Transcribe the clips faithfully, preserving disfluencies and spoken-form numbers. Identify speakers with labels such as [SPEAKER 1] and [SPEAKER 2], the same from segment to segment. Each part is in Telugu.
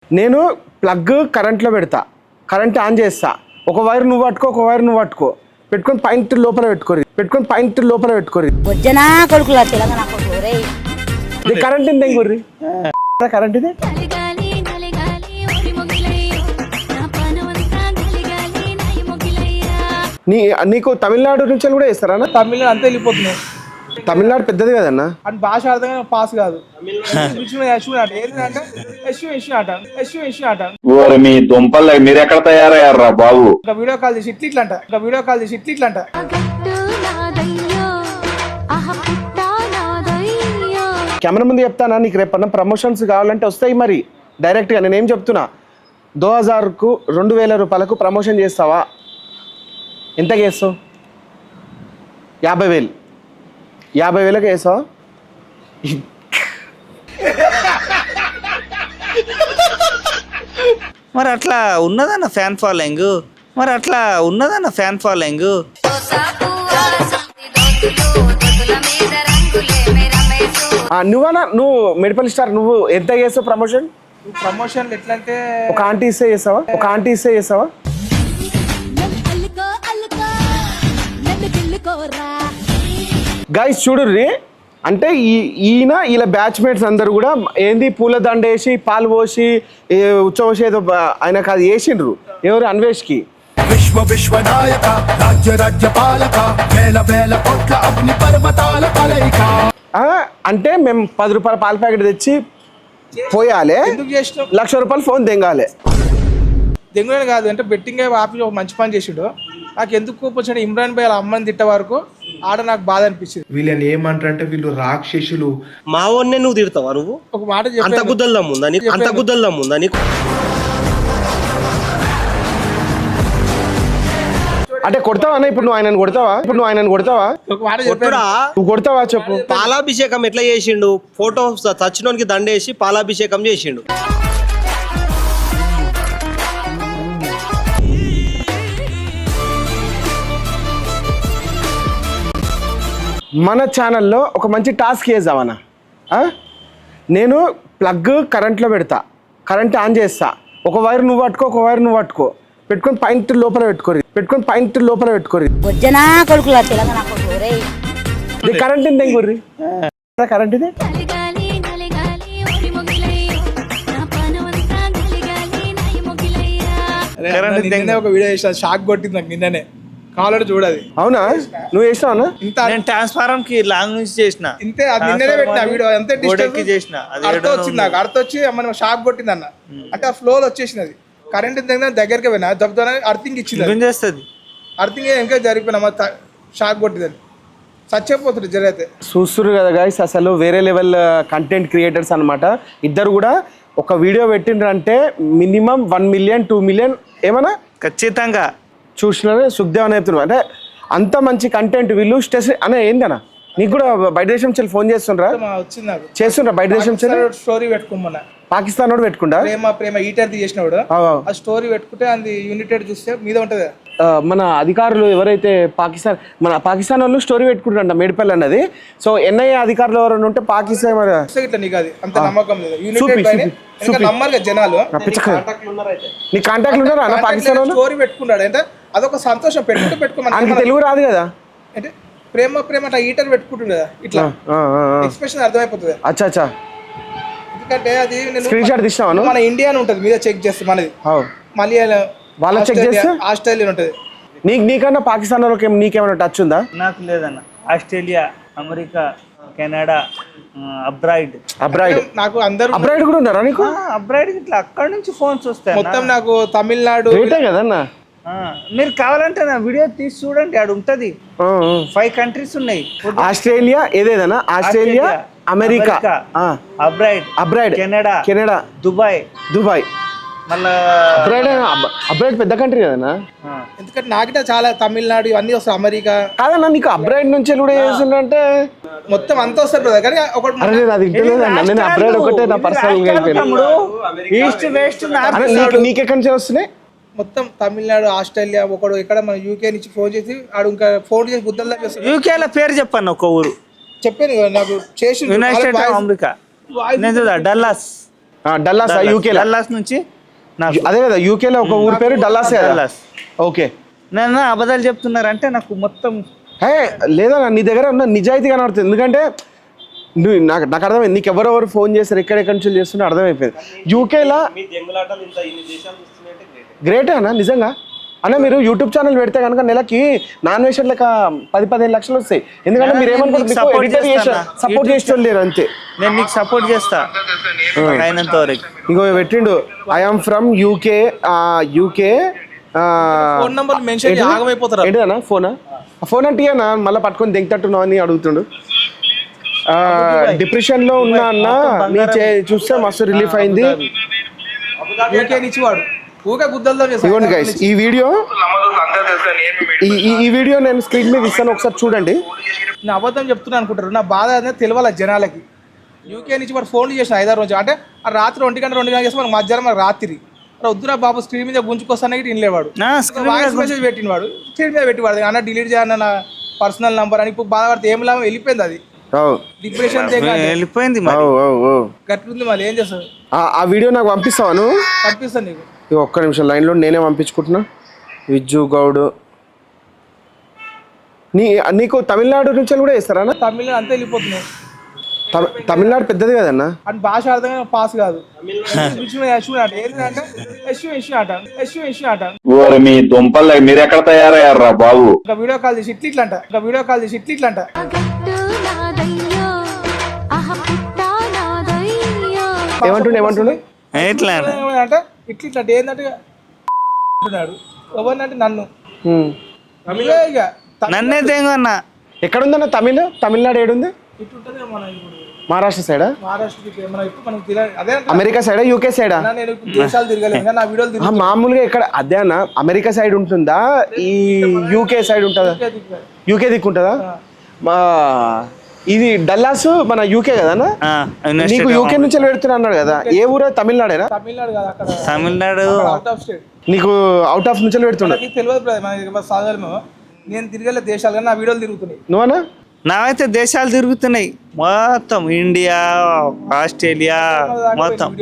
[SPEAKER 1] నేను ప్లగ్ కరెంట్లో పెడతా, కరెంట్ ఆన్ చేస్తా, ఒక వైర్ నువ్వు పట్టుకో, ఒక వైర్ నువ్వు పట్టుకో, పెట్టుకొని పాయింట్ లోపల పెట్టుకోరు, పెట్టుకొని పాయింట్ లోపల పెట్టుకోరు.
[SPEAKER 2] వజ్జనా కొడుకులా తెలంగాణ కొడుకు రేయ్.
[SPEAKER 1] ఇది కరెంట్ ఇంత ఇంకొర్రి కరెంట్ ఇది. నీ నీకు తమిళనాడు నుంచి కూడా వేస్తారా?
[SPEAKER 3] తమిళనాడు అంతా వెళ్ళిపోతున్నాయి.
[SPEAKER 1] తమిళనాడు పెద్దది కదన్నా,
[SPEAKER 3] అని భాష అర్థం పాస్ కాదు.
[SPEAKER 4] మీ దుంపలు మీరు ఎక్కడ తయారయ్యారా బాబు?
[SPEAKER 3] ఒక వీడియో కాల్ చేసి ఇట్లా ఇట్లా అంట, ఒక వీడియో కాల్ చేసి ఇట్లా ఇట్లా అంట.
[SPEAKER 1] కెమెరా ముందు చెప్తానా, నీకు రేపన్నా ప్రమోషన్స్ కావాలంటే వస్తాయి మరి డైరెక్ట్గా. నేనేం చెప్తున్నా, దో హజార్కు రెండు వేల రూపాయలకు ప్రమోషన్ చేస్తావా? ఎంత చేస్తావు? యాభై వేలు యాభై వేలకు వేసావా?
[SPEAKER 5] మరి అట్లా ఉన్నదన్న ఫ్యాన్ ఫాలోయింగ్, మరి అట్లా ఉన్నదన్న ఫ్యాన్ ఫాలోయింగ్.
[SPEAKER 1] నువ్వనా నువ్వు మెడిపల్ స్టార్, నువ్వు ఎంత చేస్తావు ప్రమోషన్?
[SPEAKER 3] ప్రమోషన్ ఎట్లా అంటే
[SPEAKER 1] ఒక ఆంటీ ఇస్తే చేస్తావా? ఒక ఆంటీ ఇస్తే చేస్తావా? గైస్ చూడుర్రి, అంటే ఈ ఈయన ఇలా బ్యాచ్మేట్స్ అందరు కూడా ఏంది పూల దండ వేసి పాలు పోసి ఉచ్చవసి ఏదో ఆయనకు అది వేసిండ్రు. ఎవరు? అన్వేష్కి.
[SPEAKER 6] విశ్వ విశ్వనాయక రాజ్య రాజ్య పాలక వేల వేల కోట్ల అగ్ని పర్వతాల కలయిక.
[SPEAKER 1] అంటే మేము పది రూపాయల పాల ప్యాకెట్ తెచ్చి పోయాలి,
[SPEAKER 3] ఎందుకు చేసినావు?
[SPEAKER 1] లక్ష రూపాయలు ఫోన్ తెంగాలి.
[SPEAKER 3] దెంగునే కాదు అంటే బెట్టింగ్ ఆపి ఒక మంచి పని చేసిండు. నాకు ఎందుకు కోపం వచ్చాడు, ఇమ్రాన్ భాయ్ అమ్మని తిట్ట వరకు ఆడ నాకు బాధ అనిపించింది.
[SPEAKER 7] వీళ్ళని ఏమంటారంటే వీళ్ళు రాక్షసులు.
[SPEAKER 8] మా వాడినే నువ్వు తిడతావా? నువ్వు
[SPEAKER 3] ఒక మాట
[SPEAKER 8] అంత గుద్దల్లా ఉందా నీకు? అంత గుద్దల్లా ఉందా నీకు?
[SPEAKER 1] అంటే కొడతావా ఇప్పుడు? నువ్వు ఆయనను కొడతావా? ఇప్పుడు నువ్వు ఆయనను కొడతావా?
[SPEAKER 3] ఒక మాట
[SPEAKER 8] కొట్టుడా?
[SPEAKER 1] నువ్వు కొడతావా చెప్పు.
[SPEAKER 8] పాలాభిషేకం ఎట్లా చేసిండు? ఫోటో చచ్చినోనికి దండేసి పాలాభిషేకం చేసిండు.
[SPEAKER 1] మన ఛానల్లో ఒక మంచి టాస్క్ చేద్దామన్నా. నేను ప్లగ్ కరెంట్లో పెడతా, కరెంట్ ఆన్ చేస్తా, ఒక వైర్ నువ్వు పట్టుకో, ఒక వైర్ నువ్వు పట్టుకో, పెట్టుకొని పాయింట్ లోపల పెట్టుకోరు, పెట్టుకొని పాయింట్ లోపల పెట్టుకోరు.
[SPEAKER 2] వజ్జనా కొడుకులా తెలంగాణ కొడుకు రేయ్.
[SPEAKER 1] ఇది కరెంట్ ఇంత ఇంకొర్రి కరెంట్ ఇది.
[SPEAKER 3] ఒక వీడియో చేసిన షాక్ కొట్టింది నాకు నిన్ననే, కావాలంటే చూడాలి.
[SPEAKER 1] అవునా? నువ్వు చేసినావా?
[SPEAKER 3] ఇంత
[SPEAKER 5] నేను ట్రాన్స్ఫారం కి లాంగ్ నుంచి చేసిన,
[SPEAKER 3] ఇంతే. అది నిన్ననే పెట్టిన వీడియో, అంతే
[SPEAKER 5] చేసిన.
[SPEAKER 3] అర్థం వచ్చింది నాకు, అర్థం వచ్చి మన షాక్ కొట్టింది అన్న. అంటే ఆ ఫ్లో వచ్చేసింది, అది కరెంట్ దగ్గరికి పోయినా దెబ్బతో అర్థింగ్ ఇచ్చింది,
[SPEAKER 5] చేస్తుంది
[SPEAKER 3] అర్థింగ్ ఇంకా జరిగిపోయినా షాక్ కొట్టిందని చచ్చిపోతుంది జరిగితే.
[SPEAKER 1] చూస్తున్నారు కదా గైస్, అసలు వేరే లెవెల్ కంటెంట్ క్రియేటర్స్ అనమాట. ఇద్దరు కూడా ఒక వీడియో పెట్టిండ్రంటే minimum one million two million ఏమన్నా
[SPEAKER 5] ఖచ్చితంగా
[SPEAKER 1] చూసినారు. సుఖదేవ్ అని చెప్తున్నారు, అంటే అంత మంచి కంటెంట్ వీళ్ళు. స్టెస్ అనే ఏందన్నా, నీకు కూడా బయట దేశం చెల్లి ఫోన్ చేస్తుండ్రా?
[SPEAKER 3] వచ్చింది నాకు,
[SPEAKER 1] చేస్తుండ్రా బయట దేశం చెల్లి?
[SPEAKER 3] స్టోరీ పెట్టుకోమన్నా,
[SPEAKER 1] పాకిస్తాన్ వాడు పెట్టుకుంటా
[SPEAKER 3] ప్రేమ ప్రేమ ఈటర్ చేసినవాడు ఆ స్టోరీ పెట్టుకుంటే అది యూనిటెడ్ చూస్తే మీద ఉంటది.
[SPEAKER 1] మన అధికారులు ఎవరైతే పాకిస్తాన్ మన పాకిస్తాన్ వాళ్ళు స్టోరీ పెట్టుకుంటారంట మేడిపల్లి అన్నది. సో ఎన్ఐఏ అధికారులు ఎవరైనా ఉంటే పాకిస్తాన్
[SPEAKER 3] ఇట్లా నీకు అది అంత నమ్మకం లేదు. యూనిటెడ్ నమ్మరు కదా జనాలు.
[SPEAKER 1] నీ కాంటాక్ట్లు ఉన్నారా అన్న పాకిస్తాన్ వాళ్ళు?
[SPEAKER 3] స్టోరీ పెట్టుకున్నాడు అంటే అదొక సంతోషం. పెట్టుకుంటే పెట్టుకోమని
[SPEAKER 1] తెలుగు రాదు కదా,
[SPEAKER 3] అంటే ప్రేమ ప్రేమ అట్లా ఈటర్ పెట్టుకుంటుండే కదా, ఇట్లా ఎక్స్ప్రెషన్ అర్థమైపోతుంది.
[SPEAKER 1] అచ్చా అచ్చా.
[SPEAKER 3] ఎందుకంటే అది
[SPEAKER 1] స్క్రీన్ షాట్ తీసినావా?
[SPEAKER 3] మన ఇండియా ఉంటుంది మీద చెక్ చేస్తే మనది, మళ్ళీ
[SPEAKER 1] వాళ్ళ చెక్ చేస్తే
[SPEAKER 3] ఆస్ట్రేలియా ఉంటుంది.
[SPEAKER 1] నీకు నీకన్నా పాకిస్తాన్ వాళ్ళకి నీకేమైనా టచ్ ఉందా?
[SPEAKER 5] నాకు లేదన్న. Australia, America, Canada, abroad
[SPEAKER 3] abroad నాకు అందరూ
[SPEAKER 1] అబ్రాయిడ్ కూడా ఉన్నారా నీకు?
[SPEAKER 5] అబ్రాయిడ్ ఇట్లా అక్కడ నుంచి ఫోన్స్ వస్తాయి
[SPEAKER 3] మొత్తం. నాకు తమిళనాడు
[SPEAKER 1] కదన్నా.
[SPEAKER 5] మీరు కావాలంటే నా వీడియో తీసి చూడండి, ఆడ ఉంటది. ఫైవ్ కంట్రీస్ ఉన్నాయి.
[SPEAKER 1] ఆస్ట్రేలియా ఏదేదన్నా, Australia, America,
[SPEAKER 5] abroad,
[SPEAKER 1] abroad,
[SPEAKER 5] Canada,
[SPEAKER 1] Canada,
[SPEAKER 5] Dubai,
[SPEAKER 1] Dubai
[SPEAKER 5] మళ్ళా
[SPEAKER 1] అబ్రాయిడ్. అబ్రాయిడ్ పెద్ద కంట్రీ కదన్నా.
[SPEAKER 3] ఎందుకంటే నాకిట చాలా తమిళనాడు ఇవన్నీ వస్తాయి, అమెరికా.
[SPEAKER 1] కాదన్నా నీకు అబ్రాయిడ్ నుంచి కూడా చేస్తుంటే
[SPEAKER 3] మొత్తం అంతా వస్తారు బ్రదర్. కానీ ఒకటి
[SPEAKER 1] నేను అబ్రాయిడ్ ఒకటే నా పర్సనల్ గా
[SPEAKER 5] ఈస్ట్ వెస్ట్
[SPEAKER 1] నీకెక్కడి నుంచి వస్తున్నాయి?
[SPEAKER 3] మొత్తం తమిళనాడు, ఆస్ట్రేలియా, ఒకడు ఇక్కడ మన యూకే నుంచి ఫోన్ చేసి ఆడు ఇంకా ఫోన్ చేసి గుద్దల్లా చేస్తాడు.
[SPEAKER 5] యూకేలో పేరు చెప్పాను ఒక ఊరు
[SPEAKER 3] చెప్పాను నాకు చేసి.
[SPEAKER 5] United States of America, Dallas
[SPEAKER 1] Dallas UK
[SPEAKER 5] Dallas నుంచి నాకు
[SPEAKER 1] అదే కదా యూకేలో ఒక ఊరి పేరు డల్లాస్
[SPEAKER 5] డల్లాస్.
[SPEAKER 1] ఓకే
[SPEAKER 5] నన్ను అబద్ధాలు చెప్తున్నారంటే నాకు మొత్తం
[SPEAKER 1] హే లేదా నీ దగ్గర ఉన్న నిజాయితీ కనబడుతుంది. ఎందుకంటే నువ్వు నాకు నాకు అర్థమైంది, నీకు ఎవరెవరు ఫోన్ చేస్తారు ఎక్కడెక్కడి నుంచి చేస్తున్నా అర్థమైపోయింది. యూకేలో గ్రేటే అన్న నిజంగా. అన్న మీరు యూట్యూబ్ ఛానల్ పెడితే కనుక నెలకి నాన్ వెజ్ లెక్క పది పదిహేను లక్షలు వస్తాయి. ఎందుకంటే మీరు ఏమనుకుంటారు సపోర్ట్ చేసేవాళ్ళు లేరు అంతే.
[SPEAKER 5] నేను నీకు సపోర్ట్ చేస్తా అయినంత వరకు.
[SPEAKER 1] ఇంకో పెట్టిండు I'm from UK UK
[SPEAKER 3] phone number mention చేసి ఆగమైపోతారు.
[SPEAKER 1] ఏంటిదన్నా ఫోనా ఫోన్ అంటే అన్న మళ్ళీ పట్టుకొని దెంగతట్టున్నావు అని అడుగుతుండు. డిప్రెషన్ లో ఉన్నా అన్న నీ చూస్తే మస్తు రిలీఫ్ అయింది.
[SPEAKER 3] యూకే నుంచి వాడు ఊకే గుద్దలతో
[SPEAKER 1] ఇవ్వండి గైస్ ఈ వీడియో ఈ వీడియో నేను స్క్రీన్ మీద ఇస్తాను ఒకసారి చూడండి.
[SPEAKER 3] నా అబద్ధం చెప్తున్నా అనుకుంటారు. నా బాధ అనేది తెలియాలి జనాలకి. యూకే నుంచి వాడు ఫోన్లు చేసిన ఐదారు రోజు అంటే ఆ రాత్రి ఒంటి గంట రెండు గంటలు చేస్తే మనకు మధ్యాహ్నం మనకు రాత్రి వద్దురా బాబు స్క్రీన్ మీద గుంజుకొస్తానే వినలేవాడు. వాయిస్ మెసేజ్ పెట్టిన వాడు స్క్రీన్ మీద పెట్టివాడు అన్న డిలీట్ చేయన్న నా పర్సనల్ నంబర్ అని. ఇప్పుడు బాధపడితే ఏం లాభం, వెళ్ళిపోయింది అది డిప్రెషన్
[SPEAKER 5] వెళ్ళిపోయింది.
[SPEAKER 3] గట్లుంది మళ్ళీ ఏం చేస్తావు.
[SPEAKER 1] ఆ వీడియో నాకు పంపిస్తాను
[SPEAKER 3] పంపిస్తాను నీకు.
[SPEAKER 1] ఒక్క నిమిషం లైన్లో నేనే పంపించుకుంటున్నా. విజ్జు గౌడ్ నీ నీకు తమిళనాడు నుంచి కూడా వేస్తారా?
[SPEAKER 3] తమిళనాడు అంతా వెళ్ళిపోతున్నావు.
[SPEAKER 1] తమిళనాడు పెద్దది కదన్నా.
[SPEAKER 3] అని భాష అర్థం పాస్ కాదు.
[SPEAKER 4] ఓరి మీ దుంపలు మీరు ఎక్కడ తయారయ్యారా బాబు?
[SPEAKER 3] ఒక వీడియో కాల్ చేసి ఇట్లా ఇట్లా అంట ఒక వీడియో కాల్ చేసి ఇట్లా ఇట్లా అంట
[SPEAKER 1] ఏమంటుండే ఏమంటుండే
[SPEAKER 5] ఎట్లా
[SPEAKER 3] అంటే ఇట్లా ఇట్లా అంటే ఏంటంటే అంటున్నాడు. ఎవరినంటే నన్ను తమిళే ఇక
[SPEAKER 5] నన్నే తేంగన్నా.
[SPEAKER 1] ఎక్కడుందన్న తమిళ తమిళనాడు ఏడుంది?
[SPEAKER 3] ఇటు ఉంటుంది మన ఇప్పుడు
[SPEAKER 1] మహారాష్ట్ర సైడా
[SPEAKER 3] మహారాష్ట్రకి మన ఇప్పుడు మనకు తెలియదు. అదే
[SPEAKER 1] అమెరికా సైడా యూకే సైడా?
[SPEAKER 3] నేను దేశాలు తిరగలేదు కానీ నా వీడియోలు తిరిగి
[SPEAKER 1] మామూలుగా ఇక్కడ అదే అన్న అమెరికా సైడ్ ఉంటుందా ఈ యూకే సైడ్ ఉంటుందా? యూకే దిక్కు ఉంటుందా? మా ఇది డల్లాస్ మన యూకే కదన్నా. నీకు యూకే నుంచి పెడుతున్నా అన్నాడు కదా, ఏ ఊరు? తమిళనాడేనా?
[SPEAKER 3] తమిళనాడు కదా అక్కడ
[SPEAKER 5] తమిళనాడు
[SPEAKER 3] అవుట్ ఆఫ్ స్టేట్.
[SPEAKER 1] నీకు అవుట్ ఆఫ్ నుంచి పెడుతున్నా
[SPEAKER 3] తెలియదు బ్రదర్ మనకి సాధారణ. నేను తిరగలేదు దేశాలు కానీ నా వీడియోలు తిరుగుతున్నాయి.
[SPEAKER 1] నువ్వనా?
[SPEAKER 5] నావైతే దేశాలు తిరుగుతున్నాయి మొత్తం, ఇండియా ఆస్ట్రేలియా మొత్తం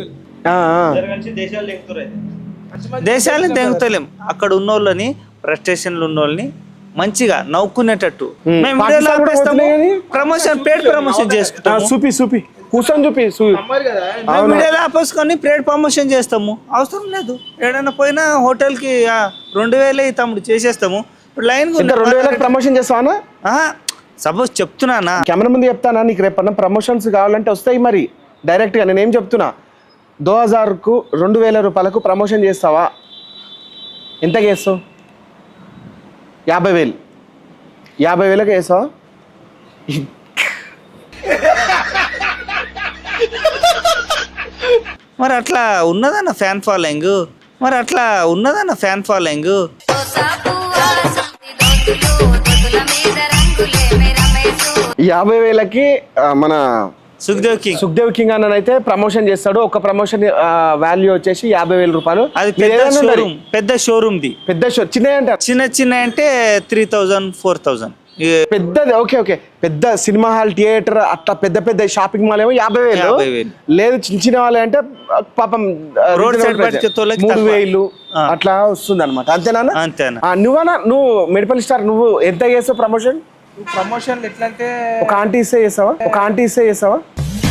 [SPEAKER 5] దేశాలని తెంగుతలేం. అక్కడ ఉన్న వాళ్ళని ఫ్రస్ట్రేషన్లు ఉన్న వాళ్ళని మంచిగా నవ్వుకునేటట్టు మేము వీడియోలో ఆపేస్తాము. ప్రమోషన్ పేడ్ ప్రమోషన్ చేసుకుంటాం.
[SPEAKER 1] చూపి చూపి కూర్చొని చూపి
[SPEAKER 5] వీడియోలో ఆపేసుకొని పేడ్ ప్రమోషన్ చేస్తాము. అవసరం లేదు. ఏడైనా పోయినా హోటల్కి రెండు వేలే తమ్ముడు చేసేస్తాము. ఇప్పుడు లైన్
[SPEAKER 1] రెండు వేలకు ప్రమోషన్ చేస్తావా?
[SPEAKER 5] సపోజ్ చెప్తున్నానా,
[SPEAKER 1] కెమెరా ముందు చెప్తానా, నీకు రేపన్నా ప్రమోషన్స్ కావాలంటే వస్తాయి మరి డైరెక్ట్గా. నేనేం చెప్తున్నా, దో హజార్కు రెండు వేల రూపాయలకు ప్రమోషన్ చేస్తావా? ఎంతకి వేస్తావు? యాభై వేలు యాభై వేలకు వేస్తావా?
[SPEAKER 5] మరి అట్లా ఉన్నదన్న ఫ్యాన్ ఫాలోయింగ్ మరి అట్లా ఉన్నదన్న ఫ్యాన్ ఫాలోయింగ్
[SPEAKER 1] యాభై వేలకి మన
[SPEAKER 5] సుఖ్దేవ్ కింగ్
[SPEAKER 1] సుఖ్దేవ్ కింగ్ అన్న అయితే ప్రమోషన్ చేస్తాడు. ఒక ప్రమోషన్ వాల్యూ వచ్చేసి యాభై వేల రూపాయలు.
[SPEAKER 5] అది పెద్ద షోరూమ్ పెద్ద షోరూమ్ ది పెద్ద
[SPEAKER 1] షో చిన్న అంటారు.
[SPEAKER 5] చిన్న చిన్న అంటే త్రీ థౌజండ్ ఫోర్ థౌజండ్
[SPEAKER 1] పెద్దది. ఓకే ఓకే పెద్ద సినిమా హాల్ థియేటర్ అట్లా పెద్ద పెద్ద షాపింగ్ మాల్ ఏమో యాభై వేలు. లేదు చిన్న చిన్న వాళ్ళు అంటే పాపం
[SPEAKER 5] రోడ్ సైడ్
[SPEAKER 1] మూడు వేలు అట్లా వస్తుంది అనమాట. అంతేనా?
[SPEAKER 5] అంతేనా.
[SPEAKER 1] నువ్వనా నువ్వు మెడికల్ స్టార్ నువ్వు ఎంత చేస్తావు ప్రమోషన్?
[SPEAKER 3] ప్రమోషన్ ఎట్లా అంటే
[SPEAKER 1] ఒక ఆంటీ ఇస్తే చేస్తావా? ఒక ఆంటీ ఇస్తే చేస్తావా?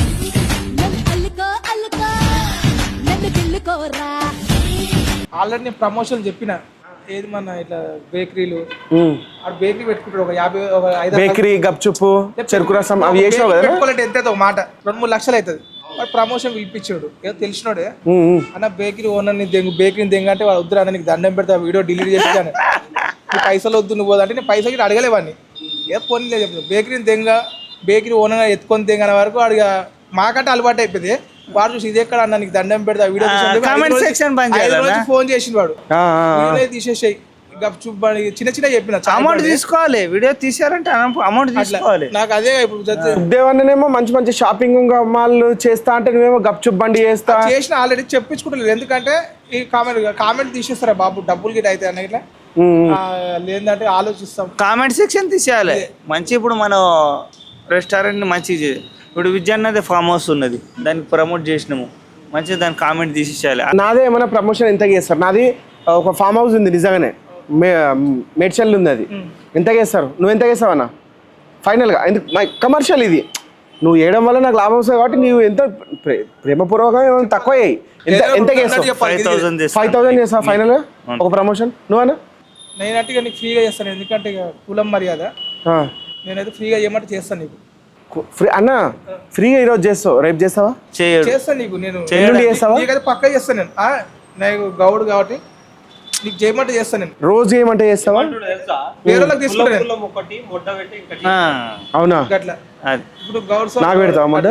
[SPEAKER 3] ఆల్రెడీ నేను ప్రమోషన్ చెప్పిన ఏది మన ఇట్లా బేకరీలు ఆ బేకరీ పెట్టుకుంటాడు ఒక యాభై ఒక ఐదు
[SPEAKER 1] బేకరీ గప్చుప్పు చెరుకు రసం అవి చేసావు కదా.
[SPEAKER 3] పెట్టుకోవాలంటే ఎంత అవుతుంది ఒక మాట రెండు మూడు లక్షలు అవుతుంది. వాడు ప్రమోషన్ పిలిపించాడు ఏదో తెలిసినోడే అన్న బేకరీ ఓనర్ ని దెంగు బేకరీని దెంగ అంటే వాడు వద్దురా నీకు దండం పెడతా వీడియో డిలీట్ చేసాను నీ పైసలు వద్దు నువ్వు అంటే నేను పైసలు అడగలేవాడిని. ఏ పోనీ లేదు చెప్తాను బేకరీని దెంగ బేకరీ ఓనర్ ఎత్తుకొని దెంగ అనే వరకు వాడికి మాకంటే అలవాటు అయిపోయింది. వాడు చూసి ఇది ఎక్కడ అన్న నీకు దండం పెడతా వీడియో ఫోన్ చేసిన వాడు తీసేసాయి చిన్న చిన్న చెప్పిన
[SPEAKER 5] అమౌంట్ తీసుకోవాలి. వీడియో తీసారంటే అమౌంట్ తీసుకోవాలి.
[SPEAKER 3] నాకు అదే ఇప్పుడు
[SPEAKER 1] దేవన్నేమో మంచి మంచి షాపింగ్ మాల్ చేస్తా అంటే నువ్వేమో గప్చుప్ బండి చేస్తా
[SPEAKER 3] చేసిన ఆల్రెడీ చెప్పించుకుంటలేదు. ఎందుకంటే ఈ కామెంట్ కామెంట్ తీసేస్తారా బాబు డబ్బులు గిట్ అయితే అన్న ఇట్లా లేదంటే ఆలోచిస్తాం.
[SPEAKER 5] కామెంట్ సెక్షన్ తీసేయాలి మంచి. ఇప్పుడు మనం రెస్టారెంట్ మంచి ఇప్పుడు విద్యాన్నది ఫామ్ హౌస్ ఉన్నది దానికి ప్రమోట్ చేసినాము. మంచిగా దాని కామెంట్ తీసేయాలి.
[SPEAKER 1] నాదే ఏమైనా ప్రమోషన్ ఎంత చేస్తారు? నాది ఒక ఫామ్ హౌస్ ఉంది నిజంగానే, మే మేడ్చల్ ఉంది, అది ఎంత చేస్తారు? నువ్వు ఎంత చేస్తావు అన్న ఫైనల్గా? ఎందుకు కమర్షియల్ ఇది, నువ్వు వేయడం వల్ల నాకు లాభం వస్తుంది కాబట్టి నువ్వు ఎంత ప్రే- ప్రేమపూర్వకంగా ఏమైనా తక్కువ వేయి. ఎంత ఎంత చేస్తావు?
[SPEAKER 5] ఫైవ్ థౌసండ్
[SPEAKER 1] ఫైవ్ థౌసండ్ చేస్తావు ఫైనల్గా ఒక ప్రమోషన్ నువ్వన్నా?
[SPEAKER 3] నేనంటే ఇక నీకు ఫ్రీగా చేస్తాను, ఎందుకంటే ఇక కులం మర్యాద. నేనైతే ఫ్రీగా చేయమంటే చేస్తాను నీకు.
[SPEAKER 1] ఫ్రీ అన్న, ఫ్రీగా ఈరోజు చేస్తావు, రేపు చేస్తావా?
[SPEAKER 5] చేయడు.
[SPEAKER 3] చేస్తాను నీకు, నేను
[SPEAKER 1] ఎల్లుండి చేస్తావా?
[SPEAKER 3] నీకైతే పక్కా చేస్తాను నేను. ఆ, నాకు గౌడ్ కాబట్టి నీకు చేయమంటే చేస్తాను నేను.
[SPEAKER 1] రోజు ఏమంటే చేస్తావా?
[SPEAKER 3] వేరే వాళ్ళకి తీసుకుంటాను
[SPEAKER 5] ఆ,
[SPEAKER 1] అవునా?
[SPEAKER 3] అట్లా.
[SPEAKER 5] అది.
[SPEAKER 3] ఇప్పుడు గౌడ్ సార్
[SPEAKER 1] నాకు పెడతావా మొట్ట?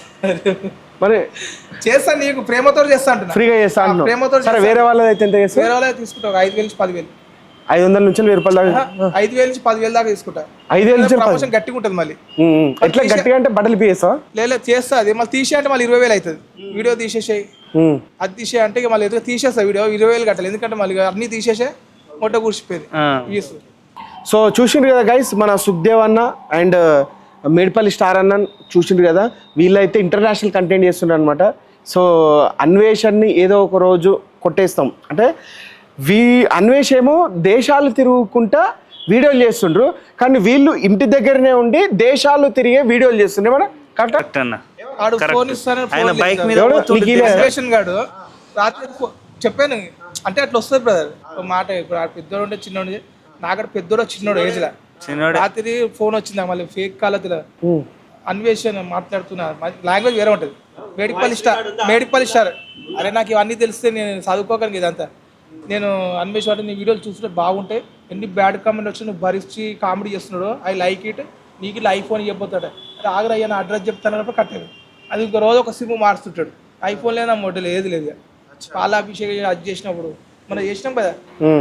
[SPEAKER 1] మరి
[SPEAKER 3] చేస్తాను, నీకు ప్రేమతో చేస్తా అంటున్నా.
[SPEAKER 1] ఫ్రీగా చేస్తా
[SPEAKER 3] ఆ,
[SPEAKER 1] అంటున్నావు.
[SPEAKER 3] ప్రేమతో
[SPEAKER 1] సరే, వేరే వాళ్ళది అయితే ఎంత చేస్తావు?
[SPEAKER 3] వేరే వాళ్ళకి తీసుకుంటావు ఐదు వేలు నుంచి పదివేలు,
[SPEAKER 1] ఐదు వందల నుంచి వెయ్యి రూపాయల దాకా.
[SPEAKER 3] ఐదు వేలు నుంచి పదివేలు దాకా తీసుకుంటా.
[SPEAKER 1] ఐదు వేల నుంచి
[SPEAKER 3] ప్రమోషన్ గట్టిగా ఉంటుంది మళ్ళీ.
[SPEAKER 1] ఉమ్, ఉమ్. ఎట్లా గట్టిగా అంటే బట్టలు పీయేస్తావా?
[SPEAKER 3] లేదు చేస్తా, అది మళ్ళీ తీసే అంటే మళ్ళీ ఇరవై వేలు అవుతుంది. వీడియో తీసేసాయి,
[SPEAKER 1] ఉమ్.
[SPEAKER 3] అది తీసే అంటే ఇక మళ్ళీ ఎదుగు తీసేస్తా వీడియో, ఇరవై వేలు కట్టాలి, ఎందుకంటే మళ్ళీ అన్ని తీసేసే మొట్ట కూర్చిపోయింది
[SPEAKER 5] ఆ.
[SPEAKER 3] వ్యూస్.
[SPEAKER 1] సో చూసిండ్రు కదా గైస్, మన సుఖ్దేవ్ అన్న అండ్ మేడ్పల్లి స్టార్ అన్న చూసిండ్రు కదా, వీళ్ళైతే ఇంటర్నేషనల్ కంటెంట్ చేస్తున్నారు అనమాట. సో అన్వేషణని ఏదో ఒక రోజు కొట్టేస్తాం అంటే, వీ అన్వేష్ ఏమో దేశాలు తిరుగుకుంటా వీడియోలు చేస్తుండ్రు, కానీ వీళ్ళు ఇంటి దగ్గరనే ఉండి దేశాలు తిరిగే వీడియోలు చేస్తుండ్రు మన కరెక్ట్
[SPEAKER 5] కరెక్ట్ అన్న.
[SPEAKER 3] ఆడు
[SPEAKER 5] Correct.
[SPEAKER 3] ఫోన్ ఇస్తానని
[SPEAKER 5] ఆయన
[SPEAKER 3] ఫోన్
[SPEAKER 5] బైక్
[SPEAKER 3] లేదు.
[SPEAKER 5] మీద
[SPEAKER 1] ఎవడు?
[SPEAKER 5] పోతుంటే
[SPEAKER 1] నీకు ఇలా-
[SPEAKER 3] రేషన్ గాడు రాత్రి ఫో- చెప్పాను అంటే అట్లా వస్తుంది బ్రదర్ ఒక మాట. ఇప్పుడు ఆ పెద్దోడు ఉంటే చిన్నోడు, నాకడ పెద్దోడు చిన్నోడు ఏజ్ లా.
[SPEAKER 5] చిన్నోడే.
[SPEAKER 3] రాత్రి ఫోన్ వచ్చిందా మళ్ళీ ఫేక్ కాలతీల అన్వేషణ మాట్లాడుతున్నా, లాంగ్వేజ్ వేరే ఉంటుంది. Medipally star, Medipally star. అరే నాకు ఇవన్నీ తెలిస్తే నేను చదువుకోగలను ఇదంతా. నేను అన్వేష్ అంటే నీ వీడియోలు చూస్తుంటే బాగుంటాయి, ఎన్ని బ్యాడ్ కామెంట్ వచ్చి నువ్వు భరించి కామెడీ చేస్తున్నాడు, ఐ లైక్ ఇట్, నీకు ఇలా ఐఫోన్ చెప్పబోతాడు. అరే ఆగ్రా అయ్యా నా అడ్రస్ చెప్తాను అన్నప్పుడు కట్టాడు. అది ఇంకో రోజు ఒక సిమ్ మార్చుతుంటాడు. ఐఫోన్ లేదా మోడల్ ఏది లేదు. ఇక పాలాభిషేకం అది చేసినప్పుడు మనం చేసినాం కదా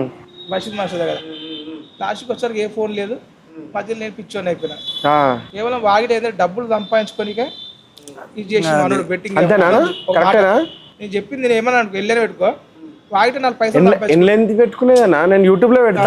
[SPEAKER 3] బషీద్ మాస్టర్ దగ్గర, లాస్ట్కి వచ్చారు ఏ ఫోన్ లేదు, మధ్యలో నేను పిచ్చోని అయిపోయినా. కేవలం వాగిట ఏదైతే డబ్బులు సంపాదించుకోనికే ఇది చేసిన మనోడు బెట్టింగ్.
[SPEAKER 1] అంతేనా? కరెక్టేనా?
[SPEAKER 3] నేను చెప్పింది నేను ఏమన్నా అనుకో, వెళ్ళనే పెట్టుకో, వాగిట నాలుగు పైసలు సంపాదించుకో.
[SPEAKER 1] ఎన్లెంత్ పెట్టుకునేదన్నా? నేను యూట్యూబ్ లో పెడతా.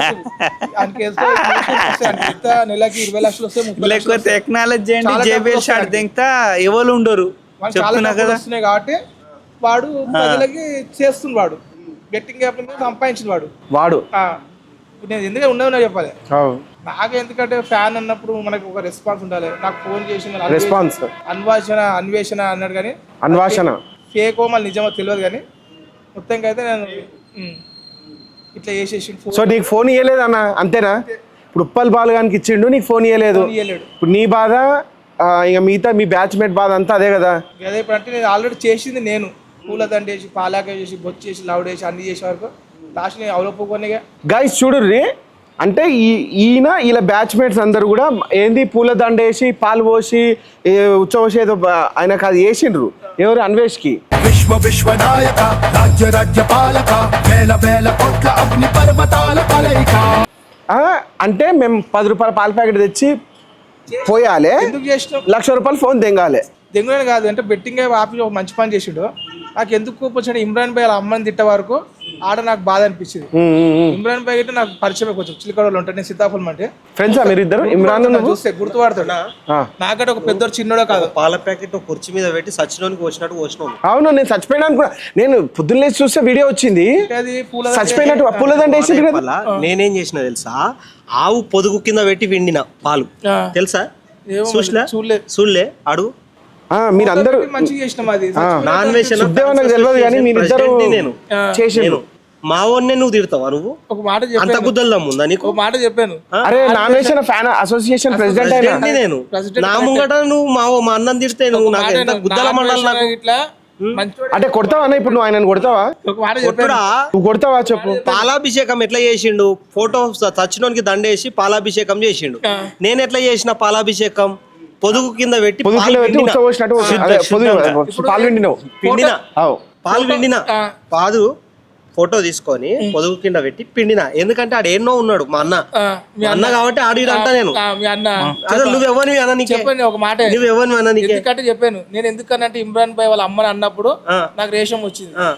[SPEAKER 3] ఆయనకి వేస్తే ఆయనకి ఎంత నెలకి ఇరవై లక్షలు వస్తే ముప్పై లక్షలు
[SPEAKER 5] లేకపోతే
[SPEAKER 3] వస్తాయి.
[SPEAKER 5] టెక్నాలజీ అంటే
[SPEAKER 3] చాలా
[SPEAKER 5] జేబీఎల్
[SPEAKER 3] డబ్బులు
[SPEAKER 5] షాట్
[SPEAKER 3] వస్తాయి.
[SPEAKER 5] దింతా ఎవరు ఉండరు
[SPEAKER 3] వాళ్ళకి చాలా
[SPEAKER 5] చెప్తున్నా
[SPEAKER 3] డబ్బులు
[SPEAKER 5] కదా.
[SPEAKER 3] వస్తున్నాయి కాబట్టి వాడు ప్రజలకి చేస్తుంది, వాడు బెట్టింగ్ యాప్ సంపాదించిన వాడు
[SPEAKER 1] వాడు
[SPEAKER 3] ఆ, ఇప్పుడు నేను ఎందుకంటే ఉన్నది చెప్పాలి.
[SPEAKER 1] అవు.
[SPEAKER 3] నాకు ఎందుకంటే ఫ్యాన్ అన్నప్పుడు మనకు ఒక రెస్పాన్స్ ఉండాలి. నాకు ఫోన్ చేసి మళ్ళీ
[SPEAKER 1] రెస్పాన్స్
[SPEAKER 3] అన్వేషణ అన్వేషణ అన్నాడు, కానీ
[SPEAKER 1] అన్వేషణ
[SPEAKER 3] ఫేకో మళ్ళీ నిజమో తెలియదు. కానీ మొత్తంగా అయితే నేను ఉమ్, ఇట్లా చేసేసి
[SPEAKER 1] సో నీకు ఫోన్ ఇవ్వలేదు అన్న, అంతేనా? ఇప్పుడు ఉప్పల్ బాలుగానికి ఇచ్చిండు, నీకు ఫోన్ ఇవ్వలేదు.
[SPEAKER 3] ఇవ్వలేడు.
[SPEAKER 1] ఇప్పుడు నీ బాధ, ఆ, ఇక మిగతా మీ బ్యాచ్మేట్ బాధ అంతా అదే కదా.
[SPEAKER 3] అదే ఇప్పుడు అంటే నేను ఆల్రెడీ చేసింది, నేను పూలదండ వేసి పాలాక చేసి బొచ్చేసి లౌడ్ వేసి అన్ని చేసే వరకు లాస్ట్ నేను అవలోపుకొనిగా.
[SPEAKER 1] గైస్ చూడుర్రి, అంటే ఈ ఈయన వీళ్ళ బ్యాచ్మేట్స్ అందరు కూడా ఏంది పూలదండ వేసి పాలు పోసి ఉచ్చవసి ఏదో బ- ఆయనకు అది వేసిండ్రు. ఎవరు? అన్వేష్కి.
[SPEAKER 6] విశ్వ విశ్వనాయక రాజ్య రాజ్య పాలక వేల వేల కోట్ల అగ్ని పర్వతాల కలయిక.
[SPEAKER 1] ఆ, అంటే మేము పది రూపాయల పాల ప్యాకెట్ తెచ్చి పోయాలి,
[SPEAKER 3] ఎందుకు చేసినావు?
[SPEAKER 1] లక్ష రూపాయలు ఫోన్ తెంగాలి.
[SPEAKER 3] దెంగులని కాదు అంటే బెట్టింగ్ ఆపి ఒక మంచి పని చేసిండు. నాకు ఎందుకు కోపం వచ్చాడు, ఇమ్రాన్ భాయ్ వాళ్ళ అమ్మని తిట్టే వరకు ఆడ నాకు బాధ అనిపించింది. ఇమ్రాన్ భాయ్ అంటే నాకు పరిచయం కొంచెం చిలికడలో ఉంటాడు, నేను సీతాఫలం అంటే
[SPEAKER 1] ఫ్రెండ్సా మీరిద్దరు? ఇమ్రాన్ నువ్వు?
[SPEAKER 3] చూస్తే గుర్తుపడతాడు.
[SPEAKER 1] ఆ.
[SPEAKER 3] నాకంటే ఒక పెద్ద చిన్నోడో కాదు,
[SPEAKER 8] పాల ప్యాకెట్ కుర్చీ మీద పెట్టి సచ్చినోనికి వచ్చినట్టు వచ్చినావు.
[SPEAKER 1] అవును, నేను చచ్చిపోయినాను కూడా. నేను పొద్దున్న లేచి చూస్తే వీడియో వచ్చింది,
[SPEAKER 3] అది పూల
[SPEAKER 1] చచ్చిపోయినట్టు పూలదండ వేసింది కదా.
[SPEAKER 8] వల్ల నేనేం చేసిన తెలుసా, ఆవు పొదుగు కింద పెట్టి విండిన పాలు తెలుసా?
[SPEAKER 3] ఏమో
[SPEAKER 8] చూసలే
[SPEAKER 3] చూడలేదు.
[SPEAKER 8] చూడలే అడుగు.
[SPEAKER 1] ఆ, మీరందరూ
[SPEAKER 3] మంచిగా చేసినాం. అది
[SPEAKER 8] నాన్ వెజ్
[SPEAKER 1] సుఖ్దేవ్ నాకు తెలియదు కానీ మీరిద్దరు
[SPEAKER 8] నేను
[SPEAKER 1] చేసిండ్రు.
[SPEAKER 8] నేను మా వాడినే నువ్వు తిడతావా? నువ్వు
[SPEAKER 3] ఒక మాట
[SPEAKER 8] అంత
[SPEAKER 3] చెప్పాను,
[SPEAKER 8] గుద్దల్దాం ఉందా నీకు?
[SPEAKER 3] ఒక మాట చెప్పాను.
[SPEAKER 1] అరే నాన్ వేసిన ఫ్యాన్ అసోసియేషన్ ప్రెసిడెంట్ అయినా
[SPEAKER 8] ఏంటి నేను నా ముంగట నువ్వు మా మా అన్నం తిడితే నువ్వు నాకు ఎంత గుద్దల మండలి నాకు.
[SPEAKER 3] ఇట్లా మంచోడు.
[SPEAKER 1] అంటే కొడతావా అన్న? ఇప్పుడు నువ్వు ఆయనను కొడతావా?
[SPEAKER 3] ఒక మాట చెప్పాను.
[SPEAKER 8] కొట్టుడా
[SPEAKER 1] నువ్వు కొడతావా చెప్పు.
[SPEAKER 8] పాలాభిషేకం ఎట్లా చేసిండు? ఫోటో చచ్చినోనికి దండేసి పాలాభిషేకం చేసిండు. నేను ఎట్లా చేసిన పాలాభిషేకం? పొదుగు కింద పెట్టి
[SPEAKER 1] పొదుగు
[SPEAKER 8] పాలు
[SPEAKER 1] కింద పెట్టి
[SPEAKER 8] పిండిన.
[SPEAKER 1] ఉచ్చబోసినట్టు అదే పొదుగు పాలు పిండినావు.
[SPEAKER 8] పిండిన
[SPEAKER 1] అవు.
[SPEAKER 8] పాలు పిండిన పాదు ఫోటో తీసుకొని పొదుగు కింద పెట్టి పిండిన. ఎందుకంటే ఆడు ఎన్నో ఉన్నాడు మా అన్న,
[SPEAKER 3] ఆ, మీ
[SPEAKER 8] మా అన్న కాబట్టి ఆడు ఈడు అంటా నేను.
[SPEAKER 3] ఆ, మీ అన్న
[SPEAKER 8] అసలు నువ్వు ఎవరిని అన్న నీకే
[SPEAKER 3] చెప్పండి ఒక మాట.
[SPEAKER 8] నువ్వు ఎవరిని అన్న నీకే
[SPEAKER 3] ఎందుకంటే చెప్పాను నేను, ఎందుకనంటే ఇమ్రాన్ భాయ్ వాళ్ళ అమ్మని అన్నప్పుడు
[SPEAKER 8] ఆ.
[SPEAKER 3] నాకు రేషం వచ్చింది.
[SPEAKER 8] ఆ.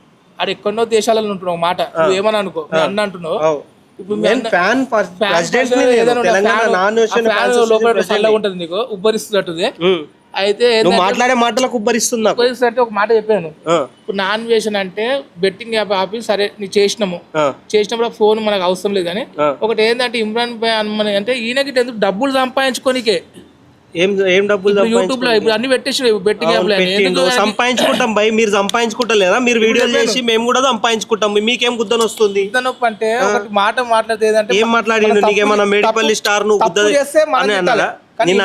[SPEAKER 3] ఆడ ఎక్కడో దేశాలలో ఉంటున్నావు ఒక మాట, నువ్వు ఏమని అనుకో, మీ అన్న అంటున్నావు.
[SPEAKER 8] అవు.
[SPEAKER 3] ఇప్పుడు మీ
[SPEAKER 8] నేను
[SPEAKER 3] అన్న-
[SPEAKER 8] ఫ్యాన్ ఫర్-
[SPEAKER 3] ఫ్యాన్
[SPEAKER 8] ప్రెసిడెంట్ ని
[SPEAKER 3] పర్సన్
[SPEAKER 8] నేను.
[SPEAKER 3] ఏదైనా ఉంటే
[SPEAKER 8] తెలంగాణ
[SPEAKER 3] ఫ్యాన్-
[SPEAKER 8] నాన్
[SPEAKER 3] ఆ
[SPEAKER 8] ఓషన్
[SPEAKER 3] ఫ్యాన్
[SPEAKER 8] ఫ్యాన్స్
[SPEAKER 3] లోపల
[SPEAKER 8] ప్రెసిడెంట్
[SPEAKER 3] చల్లగా
[SPEAKER 8] ని.
[SPEAKER 3] ఉంటుంది నీకు, ఉబ్బరిస్తున్నట్టుది.
[SPEAKER 8] ఉమ్.
[SPEAKER 3] అయితే
[SPEAKER 8] నువ్వు మాట్లాడే మాటలకు ఉబ్బరిస్తుంది నాకు.
[SPEAKER 3] అంటే ఒక మాట చెప్పాను, ఇప్పుడు నాన్ వేషన్ అంటే బెట్టింగ్ యాప్ ఆపి సరే నీ చేసినాము, చేసినప్పుడు ఫోన్ మనకు అవసరం లేదు. కానీ ఒకటి ఏంటంటే ఇమ్రాన్ భాయ్ మన అంటే ఈయనకి ఎందుకు డబ్బులు సంపాదించుకోనికే
[SPEAKER 8] ఏం ఏం డబ్బులు
[SPEAKER 3] యూట్యూబ్ లో ఇప్పుడు అన్ని పెట్టేసి బెట్టింగ్ యాప్
[SPEAKER 8] సంపాదించుకుంటాం భయ్, మీరు సంపాదించుకుంటలేదా? మీరు వీడియోలు చేసి మేము కూడా సంపాదించుకుంటాం, మీకేం గుద్దన వస్తుంది?
[SPEAKER 3] నొప్పి అంటే ఒకటి మాట మాట్లాడితే ఏంటంటే
[SPEAKER 8] ఏం మాట్లాడిండు? నీకేమన్నా మేడిపల్లి స్టార్ నువ్వు గుద్ద
[SPEAKER 3] చేస్తే నిన్ను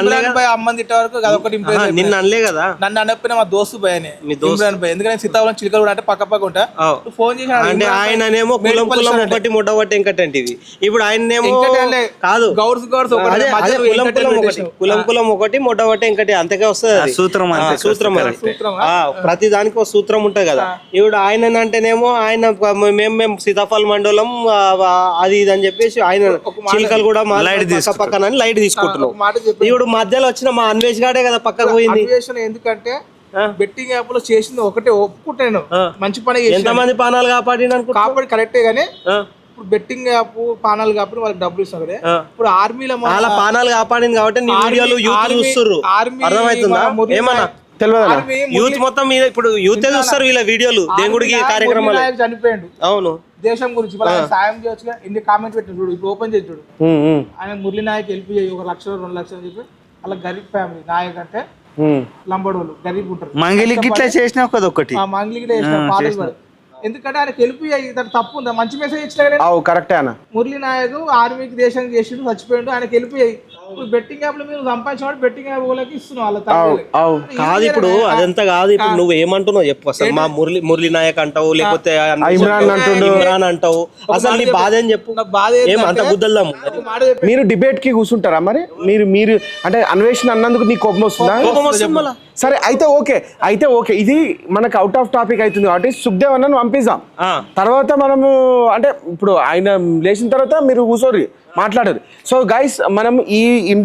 [SPEAKER 8] అనలే కదా,
[SPEAKER 3] నన్ను అనకపోయినా మా దోస్తు భయ ఇమ్రాన్ భాయ్, ఎందుకంటే సీతాఫలం చిలకలు అంటే పక్క పక్క ఉంటా ఫోన్ చేసి
[SPEAKER 8] అంటే ఆయననేమో కులం కులం ఒకటి ముడ్డబట్టి వెంకటంటి ఇది. ఇప్పుడు ఆయనేమో కాదు
[SPEAKER 3] గౌడ్స్ గౌడ్స్
[SPEAKER 8] కులం కులం ఒకటి కులం కులం ఒకటి ముడ్డబట్టి వెంకటి అంతకే వస్తుంది సూత్రం. సూత్రం ప్రతి దానికి ఒక సూత్రం ఉంటది కదా. ఇప్పుడు ఆయన అంటేనేమో ఆయన మేము మేము సీతాఫల్ మండలం అది ఇది అని చెప్పేసి ఆయన చిలకలు కూడా పక్క పక్కన లైట్ తీసుకుంటున్నాం. ఇప్పుడు మధ్యలో వచ్చిన మా అన్వేష్ గాడే కదా పక్కకు పోయింది.
[SPEAKER 3] ఎందుకంటే బెట్టింగ్ యాప్ లో చేసింది ఒకటే ఒప్పుకుంటాను, మంచి పని.
[SPEAKER 8] ఎంతమంది పానాలు కాపాడి
[SPEAKER 3] కాపాడి కరెక్టే గానీ ఇప్పుడు బెట్టింగ్ యాప్ పానాలు కాబట్టి వాళ్ళకి డబ్బులు ఇస్తాం కదా. ఇప్పుడు ఆర్మీలో
[SPEAKER 8] వాళ్ళ పానాలు కాపాడింది కాబట్టి నీ వీడియోలు యూత్ చూస్తుర్రు, అర్థమవుతుందా? ఏమన్నా తెలియదు, యూత్ మొత్తం మీద ఇప్పుడు యూత్ చూస్తారు వీళ్ళ వీడియోలు దేవుడికి కార్యక్రమాలు.
[SPEAKER 3] చనిపోయాడు,
[SPEAKER 8] అవును,
[SPEAKER 3] దేశం గురించి సాయం చేయొచ్చు. ఎన్ని కామెంట్ పెట్టిన చూడు, ఇప్పుడు ఓపెన్ చేసి చూడు. ఆయన మురళీ నాయక్ హెల్ప్ చేయి ఒక లక్ష రెండు లక్షలు చెప్పి అలా గరీబ్ ఫ్యామిలీ నాయక్ అంటే లంబడోళ్ళు గరీబ్ ఉంటారు.
[SPEAKER 5] మంగిలికి ఇట్లా చేసినా ఒకటి
[SPEAKER 3] మంగిలికి చేసిన ఎందుకంటే ఆయన హెల్ప్ తప్పు ఉందా? మంచి మెసేజ్ ఇచ్చినా
[SPEAKER 1] కరెక్టే అన్న.
[SPEAKER 3] మురళీ నాయక్ ఆర్మీకి దేశం చేసిండు, చచ్చిపోయిండు, ఆయనకి హెల్ప్ చేయి. ఇప్పుడు బెట్టింగ్ యాప్ లో మీరు సంపాదించిన బెట్టింగ్ యాప్ వాళ్ళకి ఇస్తున్నావు వాళ్ళ
[SPEAKER 8] కాదు. ఇప్పుడు అదంతా కాదు. ఇప్పుడు నువ్వు ఏమంటున్నావు చెప్పు అసలు. మా మురళి మురళీ నాయక్ అంటావు, లేకపోతే ఇమ్రాన్ అంటావు, అసలు నీ బాధ అని చెప్పు. ఏమంత గుద్దల్దాము.
[SPEAKER 1] మీరు డిబేట్ కి కూర్చుంటారా మరి? మీరు మీరు అంటే అన్వేషణ అన్నందుకు నీ కోపం వస్తుందా? సరే అయితే ఓకే, అయితే ఓకే, ఇది మనకు అవుట్ ఆఫ్ టాపిక్ అవుతుంది కాబట్టి సుఖ్దేవ్ అన్న పంపిస్తాం. తర్వాత మనము అంటే ఇప్పుడు ఆయన లేచిన తర్వాత మీరు కూర్చోరు మాట్లాడరు. సో గైస్ మనం ఈ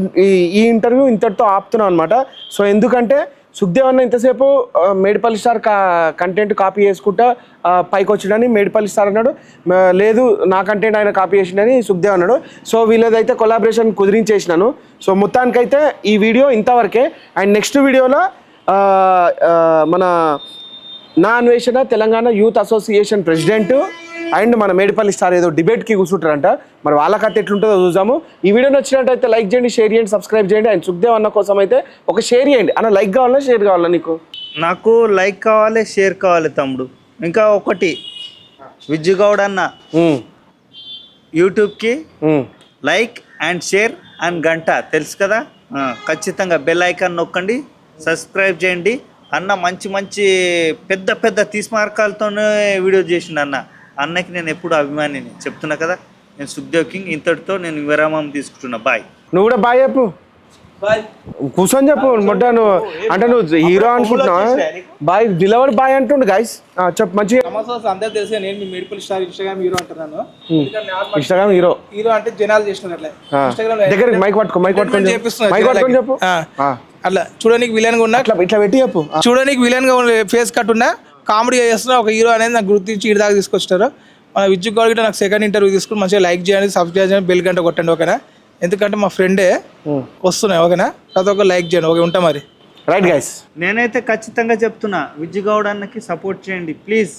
[SPEAKER 1] ఈ ఇంటర్వ్యూ ఇంతటితో ఆపుతున్నాం అనమాట. సో ఎందుకంటే సుఖ్దేవ్ అన్న ఇంతసేపు మేడిపల్లి స్టార్ కా కంటెంట్ కాపీ చేసుకుంటా పైకి వచ్చిండని మేడిపల్లి స్టార్ అన్నాడు. లేదు నా కంటెంట్ ఆయన కాపీ చేసిండని సుఖ్దేవ్ అన్నాడు. సో వీళ్ళదైతే కొలాబరేషన్ కుదిరించేసినాను. సో మొత్తానికైతే ఈ వీడియో ఇంతవరకే. అండ్ నెక్స్ట్ వీడియోలో మన Naa Anveshana Telangana youth association president and మన మేడిపల్లి స్టార్ ఏదో డిబేట్కి కూర్చుంటారంట. మరి వాళ్ళ కథ ఎట్లుంటుందో చూద్దాము. ఈ వీడియో నచ్చినట్టయితే లైక్ చేయండి, షేర్ చేయండి, సబ్స్క్రైబ్ చేయండి. అండ్ సుఖ్దేవ్ అన్న కోసం అయితే ఒక షేర్ చేయండి అన్న. లైక్ కావాలా షేర్ కావాలా నీకు?
[SPEAKER 5] నాకు లైక్ కావాలి, షేర్ కావాలి తమ్ముడు. ఇంకా ఒకటి, విజ్జుగౌడ్ అన్న యూట్యూబ్కి లైక్ అండ్ షేర్ అండ్ గంట తెలుసు కదా, ఖచ్చితంగా బెల్ ఐకాన్ నొక్కండి, సబ్స్క్రైబ్ చేయండి. అన్న మంచి మంచి పెద్ద పెద్ద తీస్మార్కాలతోనే వీడియో చేసిండు అన్న. అన్నకి నేను ఎప్పుడు అభిమానిని చెప్తున్నా కదా. నేను సుఖ్దేవ్ కింగ్, ఇంతటితో నేను విరామం తీసుకుంటున్నా. బాయ్.
[SPEAKER 1] నువ్వు కూడా బాయ్ చెప్పు, కూర్చొని చెప్పు. మొట్ట నువ్వు అంటే నువ్వు హీరో అనుకుంటున్నావా? బాయ్ నిలబడి బాయ్ అంటుండు. గైస్ చెప్పు మంచిగా.
[SPEAKER 3] అందరూ తెలుసు నేను మీ మేడిపల్లి స్టార్ ఇన్స్టాగ్రామ్ హీరో అంటున్నాను.
[SPEAKER 1] ఇన్స్టాగ్రామ్ హీరో
[SPEAKER 3] హీరో అంటే జనాలు చేస్తున్నారు అట్లా.
[SPEAKER 1] దగ్గర మైక్ పట్టుకో, మైక్ పట్టుకొని మైక్ పట్టుకొని చెప్పు.
[SPEAKER 3] అట్లా చూడడానికి విలన్ గా ఉన్నా,
[SPEAKER 1] అట్లా ఇట్లా పెట్టి చెప్పు.
[SPEAKER 3] చూడడానికి విలన్ గా ఫేస్ కట్ ఉన్నా కామెడీ చేస్తున్నా ఒక హీరో అనేది నాకు గుర్తించి ఇటు దాకా తీసుకొచ్చారు. మన విజ్జు గౌడ్ గిట్ట నాకు సెకండ్ ఇంటర్వ్యూ తీసుకుని మంచిగా లైక్ చేయండి, సబ్స్క్రైబ్ చేయండి, బెల్ గంట కొట్టండి ఓకేనా. ఎందుకంటే మా ఫ్రెండే వస్తున్నాయి ఓకేనా. ప్రతి ఒక్కరు లైక్ చేయండి ఓకే. ఉంటా మరి.
[SPEAKER 1] రైట్ గైస్,
[SPEAKER 5] నేనైతే ఖచ్చితంగా చెప్తున్నా విజ్జుగౌడ్ అన్నకి సపోర్ట్ చేయండి ప్లీజ్.